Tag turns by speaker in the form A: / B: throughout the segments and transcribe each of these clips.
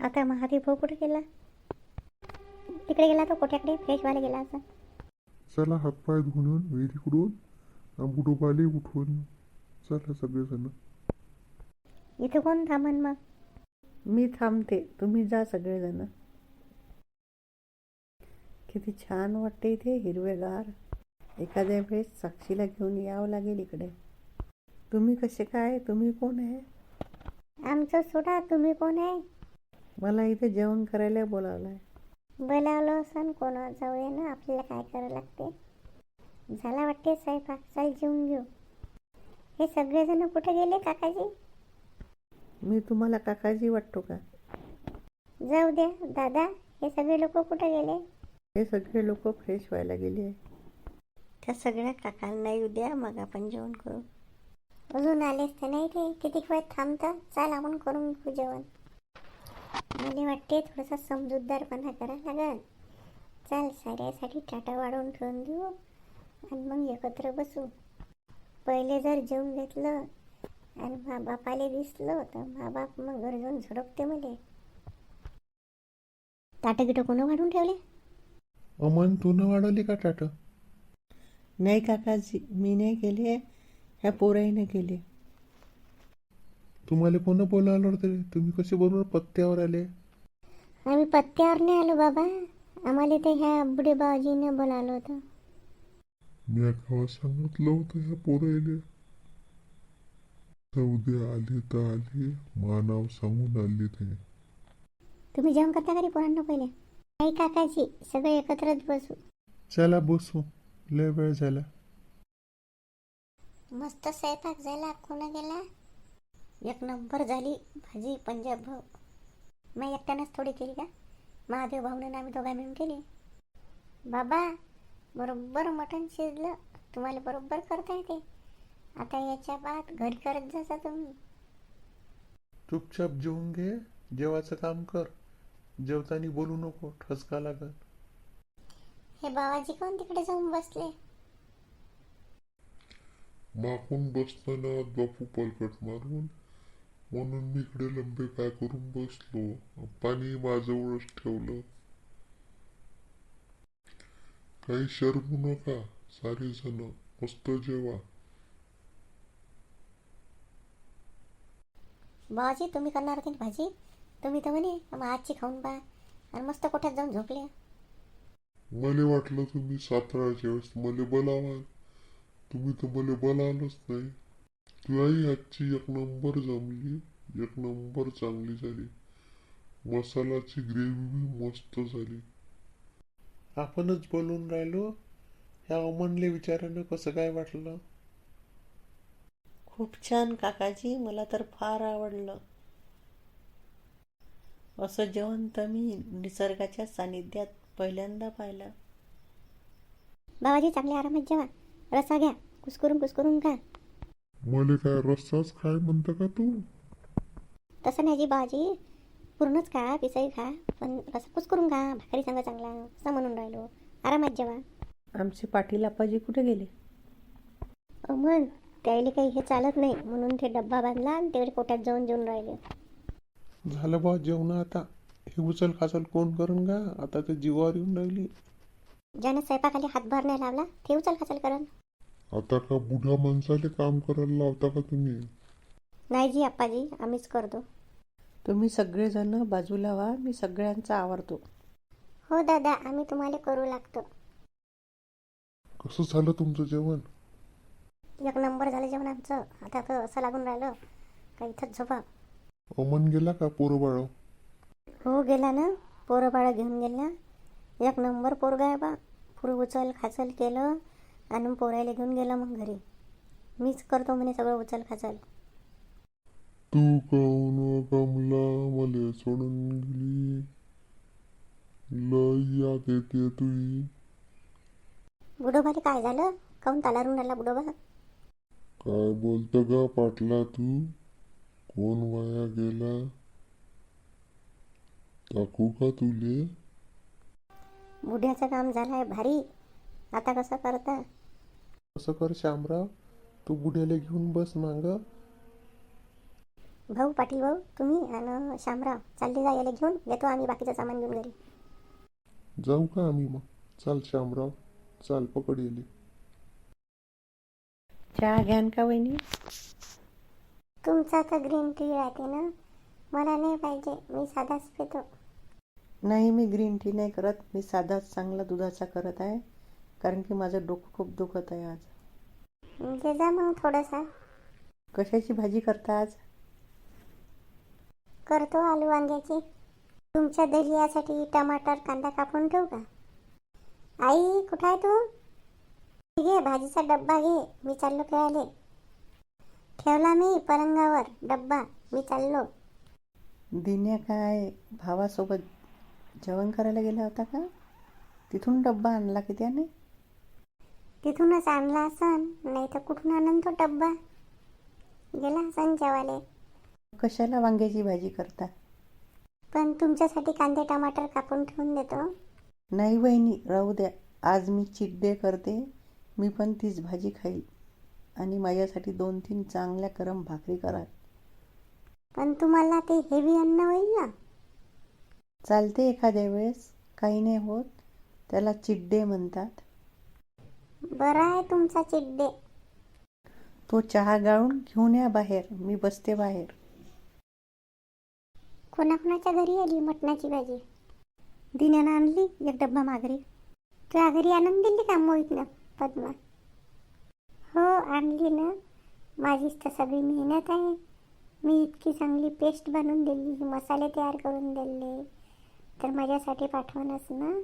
A: आता महादेव भाऊ कुठे गेला? तिकडे गेला तो कोट्याकडे फ्रेश व्हायला गेला असं.
B: चला हातपाय धुवून विहिरीकडून बुडोबाली उठवून चला सगळेजण.
A: इथं कोण थांबन मग?
C: मी थांबते, तुम्ही जा सगळेजण. किती छान वाटते इथे, हिरवेगार. एखाद्या वेळेस साक्षीला घेऊन यावं लागेल इकडे. तुम्ही कसे काय? तुम्ही कोण आहे?
A: आमचं सोडा, तुम्ही कोण आहे?
C: मला इथे जेवण करायला बोलावलं आहे.
A: बोलावलं असं कोणा जाऊया ना, आपल्याला काय करावं लागते. झाला वाटते स्वयंपाक, चल जेवून घेऊ. हे सगळेजण कुठे गेले काकाजी?
C: मी तुम्हाला काकाजी वाटतो का?
A: जाऊ द्या दादा, हे सगळे लोक कुठे गेले?
C: हे सगळे लोक फ्रेश व्हायला गेले आहे.
A: त्या सगळ्या काकांना येऊ द्या, मग आपण जेवण करू. अजून आलेच तर नाही ते, किती वेळ थांबतं. चाल आपण करून घेऊ जेवण. मला वाटते थोडासा समजूतदारपणा करायला लागेल. चाल साऱ्यासाठी टाटा वाढवून ठेवून देऊ आणि मग एकत्र बसू. पहिले जर जेवून घेतलं आणि मा बापाले दिसलं तर मा बाप मग घर जाऊन झडपते मले. ताटं गिटं कोण वाढून ठेवले?
B: अमन तू न वाढवली का टाट?
C: नाही काकाजी, मी नाही केले, ह्या पोराईने केले.
B: तुम्हाला कोण बोलावलं होतं? तुम्ही कसे बरोबर पत्त्यावर आले?
A: आम्ही पत्त्यावर नाही आलो बाबा, आम्हाला ते ह्या बुढे बाबाजीने बोलावलं होतं.
B: मी गावात सांगितलं होतं ह्या पोरायले. उद्या आले तर आले, नाव सांगून आले ते.
A: तुम्ही जेवण करता घरी पोरांना पहिले? नाही काकाजी, सगळे एकत्रच बसू.
B: चला बसू, लय वेळ झाला.
A: मस्त स्वयंपाक झाला. कोण गेला? एक नंबर झाली भाजी पंजाब भाऊ. मी एकट्यानंच थोडी केली का? महादेव भाऊने आम्ही दोघा मिळून केली. बाबा बरोबर मटण शिजलं. तुम्हाला बरोबर करता येते. आता याच्या बाद घरी करत जासा तुम्ही.
B: चुपचाप जेवून घे, जेवायचं काम कर. जेवताना बोलू नको, ठसका लागल.
A: हे बाबाजी कोण तिकडे जाऊन बसले?
B: मागून बसताना बापू पलकट मारून, म्हणून मी इकडे लंबे पाय करून बसलो. पाणी माझ्यावरच ठेवलं. काही शरमू नका, सारे जण मस्त जेवा.
A: बाबाजी तुम्ही करणार होती ना भाजी? तुम्ही तर म्हणे मग आजची खाऊन पहा आणि मस्त कोठ्यात जाऊन झोपले.
B: मला वाटलं तुम्ही साताराच्या वेळेस मला बोलावाल. तुम्ही तर मला बोलावलंच नाही. तुलाही आजची एक नंबर जमली, एक नंबर चांगली झाली. मसाल्याची ग्रेव्ही मस्त झाली. आपणच बोलून राहिलो, ह्या अमनले विचारानं कसं काय वाटलं?
C: खूप छान काकाजी, मला तर फार आवडलं. असं जेवण तर मी निसर्गाच्या सानिध्यात पहिल्यांदा पाहिलं.
A: बाबाजी चांगले आरामात जेवा. रसा घ्या, कुस्करून खा.
B: मला काय रस्साच काय म्हणतं का तू?
A: तसं नाही जी बाबाजी, पूर्णच खा, पिसाई खा, पण रसा कुस्करून खा. भाकरी सांगा चांगला, असं म्हणून राहिलो. आरामात जेवा.
C: आमचे पाटील आप्पाजी कुठे गेले?
A: मग त्याला काही हे चालत नाही म्हणून ते डब्बा बांधला आणि तेवढे पोटात जाऊन जेवून राहिले.
B: झालं बा जेवण आता. हे उचल खाचल कोण करून का? आता ते जीवावर येऊन राहिली.
A: ज्यानं स्वयंपाकाला हातभार नाही लावला ते उचल खाचल करण.
B: आता का बुढ्या माणसाले काम करायला लावता का तुम्ही?
A: नाही जी आप्पाजी, आम्हीच करतो.
C: तुम्ही सगळेजण बाजूला व्हा, मी सगळ्यांचा आवरतो.
A: हो दादा, आम्ही तुम्हाला करू लागतो.
B: कसं झालं तुमचं जेवण?
A: एक नंबर झालं जेवण आमचं. आता तर असं लागून राहिलं का इथंच झोपा.
B: अमन गेला का पोरं बाळ?
A: हो गेला ना, पोरं बाळं घेऊन गेला. एक नंबर पोरगा आहे बा. पुरं उचल खाचल केलं आणि पोरायला घेऊन गेला मग घरी. मीच करतो म्हणे सगळं उचल खाचल.
B: तू काऊन कमला मले सोडून गेली? लय याद येते तुई.
A: बुडोबाले काय झालं? काऊन तालारून राहिला बुडोबा?
B: काय बोलत गा पाटला तू? कोण वाया गेला? टाकू का तुले?
A: बुढ्याचं काम झालंय भारी. आता कसं करता?
B: असं कर शामराव, तू बुढ्याला घेऊन बस माग.
A: भाऊ, पाटील भाऊ, तुम्ही आणि शामराव चालले जा, याला घेऊन येतो आम्ही बाकीचं सामान घेऊन घरी.
B: जाऊ का आम्ही मग? चाल श्यामराव, चाल पकड येले.
C: चहा घ्यान का वहिनी?
A: तुमचा तर ग्रीन टी राहते ना, मला नाही पाहिजे, मी साधाच पितो.
C: नाही, मी ग्रीन टी नाही करत, मी साधाच चांगला दुधाचा करत आहे, कारण की माझं डोकं खूप दुखत आहे आज.
A: दे जा मग थोडंसा.
C: कशाची भाजी करता आज?
A: करतो आलू वांग्याची. तुमच्या दलियासाठी टमाटर कांदा कापून ठेवू का? आई, कुठं आहे तू? घे भाजीचा डब्बा घे, मी चाललो खेळाले. ठेवला मी पलंगावर डब्बा, मी चाललो.
C: दिन्या काय भावासोबत जेवण करायला गेला होता का? तिथून डब्बा आणला की त्याने?
A: तिथूनच आणला असन, नाही तर कुठून आणन तो डब्बा. गेला असन जेवाले.
C: कशाला वांग्याची भाजी करता?
A: पण तुमच्यासाठी कांदे टमाटर कापून ठेवून देतो.
C: नाही वहिनी, राहू द्या, आज मी चीट डे करते, मी पण तीच भाजी खाईल. आणि माझ्यासाठी 2-3 चांगल्या गरम भाकरी करा.
A: पण तुम्हाला ते हेवी अन्न होईल ना.
C: चालते एखाद्या वेळेस, काही नाही होत, त्याला चीट डे म्हणतात.
A: बरं आहे तुमचा चिड्डे.
C: तो चहा गाळून घेऊन या बाहेर, मी बसते बाहेर.
A: कोणाकोणाच्या घरी आली मटणाची भाजी? दिन्यानं आणली एक डब्बा माघारी. तुझ्या घरी आणून दिली का मोहितनं पद्मा? हो आणली ना, माझीच तर सगळी मेहनत आहे. मी इतकी चांगली पेस्ट बनवून दिली, मसाले तयार करून दिले, तर माझ्यासाठी पाठवणच ना.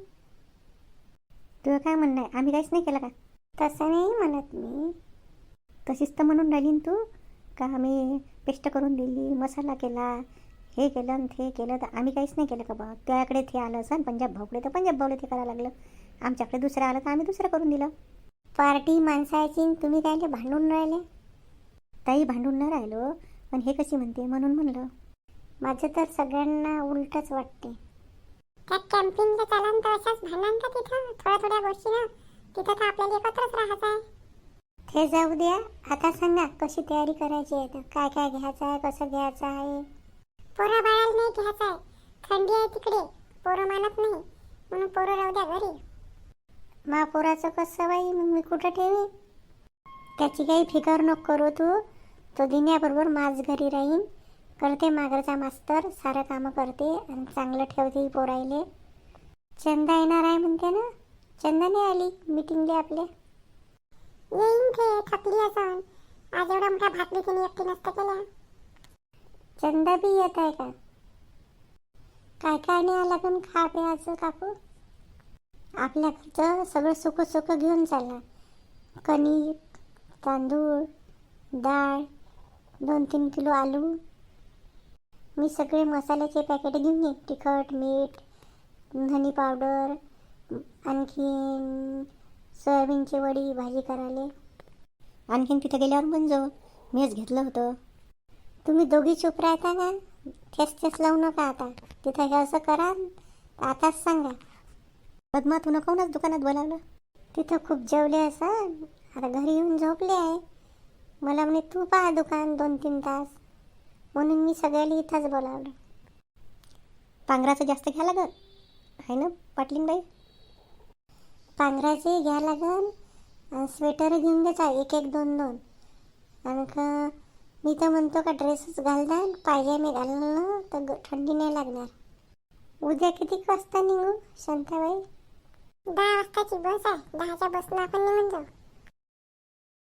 A: तुझं काय म्हणणं आहे, आम्ही काहीच नाही केलं का? तसं नाही म्हणत मी. तशीच तर म्हणून राहिली ना तू, का आम्ही पेस्ट करून दिली, मसाला केला, हे केलं आणि ते केलं, तर आम्ही काहीच नाही केलं का बा? त्याकडे ते आलं असं पंजाब भाऊकडे, तर पंजाब भाऊला ते करायला लागलं. आमच्याकडे दुसरं आलं तर आम्ही दुसरं करून दिलं. पार्टी माणसाची, तुम्ही काय भांडून राहिले? ताई, भांडून न राहिलो, पण हे कशी म्हणते म्हणून म्हणलं. माझं तर सगळ्यांना उलटच वाटते. त्या कॅम्पिंगला चाला तर अशाच भांडण का तिथं थोड्या गोष्टी ना, तिथं तर आपल्याला एकत्रच राहायचं आहे. ते जाऊ द्या, आता सांगा कशी तयारी करायची आहे, तर काय काय घ्यायचं आहे, कसं घ्यायचं आहे. पोरं बाळाला नाही घ्यायचं आहे, थंडी आहे तिकडे, पोरं मानत नाही, म्हणून पोरं राहू द्या घरी. मा पोराचं कसं बाई, मग मी कुठं ठेवी? त्याची काही फिकर नको करू तू. तो दिन्याबरोबर माझ घरी राहीन, करते मागरचा मास्तर, सारं कामं करते आणि चांगलं ठेवते पोरायले. चंदा येणार आहे म्हणते ना, चंदा नाही आली मीटिंगले आपल्या. येईन ते, थकली असन, आज एवढा मोठा भाकरी तिने एकटी नसतं केल्या. चंदा बी येत आहे का? काय काय नाही लागून खा प्यायचं काकू. आपल्या घरचं सगळं सुख घेऊन चालला. कणिक, तांदूळ, डाळ, 2-3 किलो आलू. मी सगळे मसाल्याचे पॅकेट घेऊन येईन, तिखट, मीठ, धनी पावडर, आणखीन सोयाबीनची वडी भाजी करायला. आणखीन तिथे गेल्यावर पण जाऊ, मीच घेतलं होतं. तुम्ही दोघी चूप राहता का? ठेस लावू नका आता. तिथं हे असं करा, आताच सांगा. पद्मा, तू नकोनच दुकानात बोलावलं. तिथं खूप जेवले असं, आता घरी येऊन झोपले आहे. मला म्हणे तू पहा दुकान 2-3 तास, म्हणून मी सगळ्याला इथंच बोलावलं. पांघराचं जास्त घ्या लागल आहे ना पाटलींबाई? पांघराचे घ्या लागल, स्वेटर घेऊन द्यायचा 1-1, 2-2. आणि मी तर म्हणतो का ड्रेसच घालता, पायजामे घालणं तर थंडी नाही लागणार. उद्या किती वाजता निघू शांताबाई? 10 वाजताची बस आहे, 10च्या बसनं आपण निघून जाऊ.